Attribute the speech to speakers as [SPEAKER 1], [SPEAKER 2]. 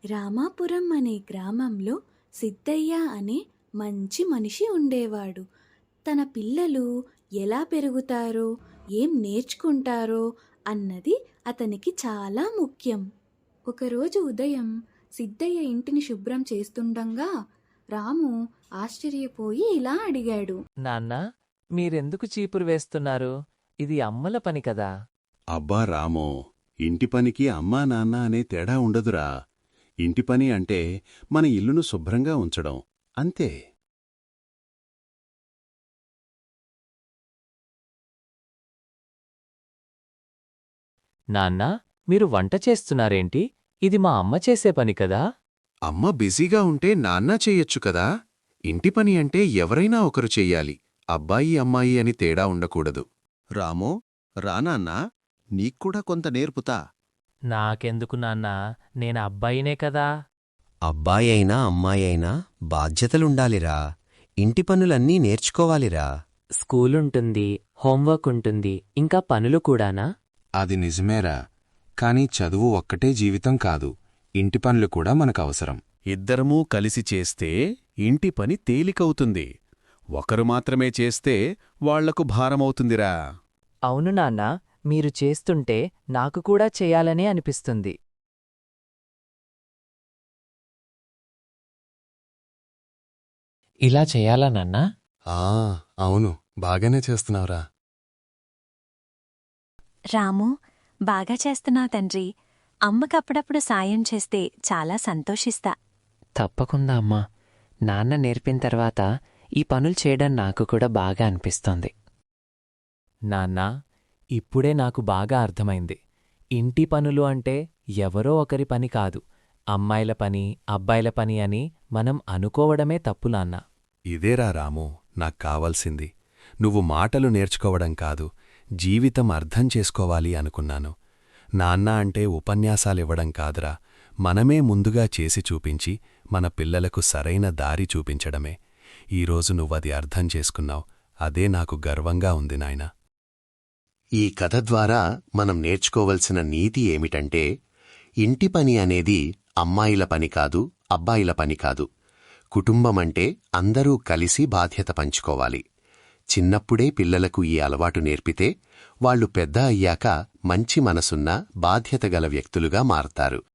[SPEAKER 1] రామాపురం అనే గ్రామంలో సిద్ధయ్య అనే మంచి మనిషి ఉండేవాడు. తన పిల్లలు ఎలా పెరుగుతారో, ఏం నేర్చుకుంటారో అన్నది అతనికి చాలా ముఖ్యం. ఒకరోజు ఉదయం సిద్ధయ్య ఇంటిని శుభ్రం చేస్తుండగా రాము ఆశ్చర్యపోయి ఇలా అడిగాడు.
[SPEAKER 2] నాన్నా, మీరెందుకు చీపురు వేస్తున్నారు? ఇది అమ్మల పని కదా.
[SPEAKER 3] అబ్బా రామో, ఇంటి పనికి అమ్మా నాన్న అనే తేడా ఉండదురా. ఇంటి పని అంటే మన ఇల్లును శుభ్రంగా ఉంచడం అంతే.
[SPEAKER 2] నాన్నా, మీరు వంట చేస్తున్నారేంటి? ఇది మా అమ్మ చేసే పని కదా.
[SPEAKER 4] అమ్మ బిజీగా ఉంటే నాన్న చెయ్యొచ్చు కదా. ఇంటి పని అంటే ఎవరైనా ఒకరు చెయ్యాలి, అబ్బాయి అమ్మాయి అని తేడా ఉండకూడదు.
[SPEAKER 5] రామో, రానాన్నా, నీక్కూడా కొంత నేర్పుతా.
[SPEAKER 2] నాకెందుకు నాన్నా, నేను అబ్బాయినే కదా.
[SPEAKER 6] అబ్బాయైనా అమ్మాయైనా బాధ్యతలుండాలిరా. ఇంటి పనులన్నీ నేర్చుకోవాలిరా.
[SPEAKER 2] స్కూలుంటుంది, హోంవర్క్ ఉంటుంది, ఇంకా పనులు కూడానా?
[SPEAKER 4] అది నిజమేరా, కాని చదువు ఒక్కటే జీవితం కాదు, ఇంటి పనులు కూడా మనకవసరం.
[SPEAKER 5] ఇద్దరమూ కలిసి చేస్తే ఇంటి పని తేలికవుతుంది. ఒకరు మాత్రమే చేస్తే వాళ్లకు భారమవుతుందిరా.
[SPEAKER 2] అవును నాన్నా, మీరు చేస్తుంటే నాకు కూడా చెయ్యాలనే అనిపిస్తుంది. ఇలా చెయ్యాలా నాన్నా?
[SPEAKER 4] అవును, బాగానే చేస్తున్నావురా.
[SPEAKER 7] రాము, బాగా చేస్తున్నావు తండ్రి. అమ్మకప్పుడప్పుడు సాయం చేస్తే చాలా సంతోషిస్తా.
[SPEAKER 2] తప్పకుండా అమ్మా. నాన్న నేర్పిన తర్వాత ఈ పనులు చేయడం నాకు కూడా బాగా అనిపిస్తోంది. నాన్నా, ఇప్పుడే నాకు బాగా అర్థమైంది. ఇంటి పనులు అంటే ఎవరో ఒకరి పని కాదు, అమ్మాయిల పని, అబ్బాయిల పని అని మనం అనుకోవడమే తప్పు నాన్నా.
[SPEAKER 3] ఇదేరా రాము, నాక్కావాల్సింది. నువ్వు మాటలు నేర్చుకోవడం కాదు, జీవితం అర్థం చేసుకోవాలి అనుకున్నాను. నాన్న అంటే ఉపన్యాసాలివ్వడం కాదురా, మనమే ముందుగా చేసి చూపించి మన పిల్లలకు సరైన దారి చూపించడమే. ఈరోజు నువ్వది అర్థం చేసుకున్నావు, అదే నాకు గర్వంగా ఉంది నాయనా.
[SPEAKER 4] ఈ కథ ద్వారా మనం నేర్చుకోవలసిన నీతి ఏమిటంటే, ఇంటి పని అనేది అమ్మాయిల పని కాదు, అబ్బాయిల పని కాదు. కుటుంబమంటే అందరూ కలిసి బాధ్యత పంచుకోవాలి. చిన్నప్పుడే పిల్లలకు ఈ అలవాటు నేర్పితే వాళ్లు పెద్ద అయ్యాక మంచి మనసున్న బాధ్యతగల వ్యక్తులుగా మారతారు.